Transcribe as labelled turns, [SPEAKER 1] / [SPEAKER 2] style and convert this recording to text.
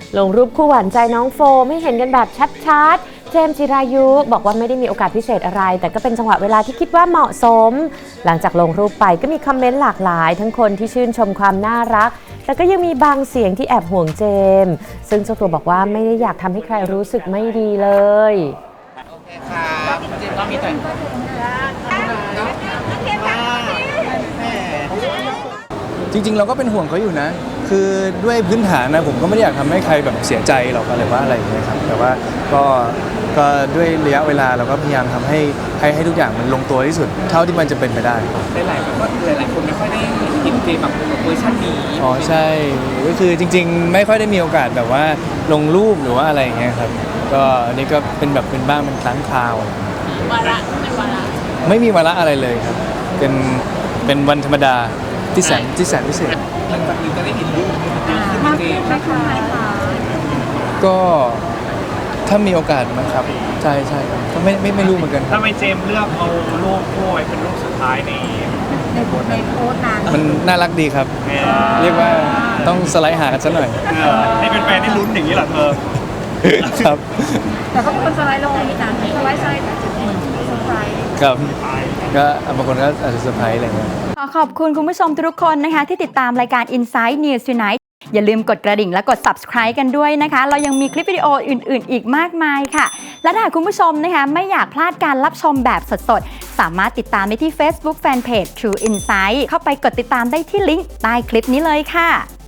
[SPEAKER 1] ลงรูปคู่หวานใจน้องโฟมให้เห็นกันแบบชัดๆเจมส์จิรายุบอกว่าไม่ได้มีโอกาสพิเศษอะไรแต่ก็เป็นจังหวะเวลาที่คิดว่าเหมาะสมหลังจากลงรูปไปก็มีคอมเมนต์หลากหลายทั้งคนที่ชื่นชมความน่ารักแต่ก็ยังมีบางเสียงที่แอบห่วงเจมส์ซึ่งเจ้าตัวบอกว่าไม่ได้อยากทำให้ใครรู้สึกไม่ดีเลย
[SPEAKER 2] โอเคครับเจมส์ก็มีแต่
[SPEAKER 3] จริงๆเราก็เป็นห่วงเขาอยู่นะคือด้วยพื้นฐานนะผมก็ไม่ได้อยากทำให้ใครแบบเสียใจหรอกอะไรว่าอะไรอย่างเงี้ยครับแต่ว่าก็ด้วยระยะเวลาเราก็พยายามทำให้ทุกอย่างมันลงตัวที่สุดเท่าที่มันจะเป็นไปได้
[SPEAKER 2] หลายคนไม่ค่อยได้เห็นเจมส์แบบเวอร์ชันนี้
[SPEAKER 3] อ๋อใช่ก็คือจริงๆไม่ค่อยได้มีโอกาสแบบว่าลงรูปหรือว่าอะไรอย่างเงี้ยครับก็อันนี้ก็เป็นแบบเป็นบ้างเป็นครั้งคราว
[SPEAKER 4] วาระในวาระ
[SPEAKER 3] ไม่มีวาระอะไรเลยครับเป็นวันธรรมดาที่แสนพิเศษ
[SPEAKER 2] หลังจากนี้จะได้เห็นรูปเจมส์
[SPEAKER 3] ก็ถ้ามีโอกาสนะครับใช่ก็ไม่รู้เหมือนกัน
[SPEAKER 2] ทำไมเจมส์เลือกเอารูปโป้ยเป็นรูปสุดท้ายในโพสต์
[SPEAKER 3] นั้นมันน่ารักดีครับเรียกว่าต้องสไลด์หากันซะหน่อย
[SPEAKER 2] ให้เป็นแฟนได้ลุ้นอย่างนี้เหรอเธอ
[SPEAKER 3] ครับ
[SPEAKER 4] แต่ก็เป็นคนสไลด์ลงมีการสไลด์แต่จุดเหมือนเซอร์ไพรส์
[SPEAKER 3] ครับก็บางคนก็อาจจะเซอร์ไพรส์อะไรเงี้ย
[SPEAKER 1] ขอบคุณคุณผู้ชมทุกคนนะคะที่ติดตามรายการ Inside News Tonight อย่าลืมกดกระดิ่งและกด subscribe กันด้วยนะคะเรายังมีคลิปวิดีโออื่นๆอีกมากมายค่ะและถ้าคุณผู้ชมนะคะไม่อยากพลาดการรับชมแบบสดๆสามารถติดตามได้ที่ Facebook Fanpage True Insight เข้าไปกดติดตามได้ที่ลิงก์ใต้คลิปนี้เลยค่ะ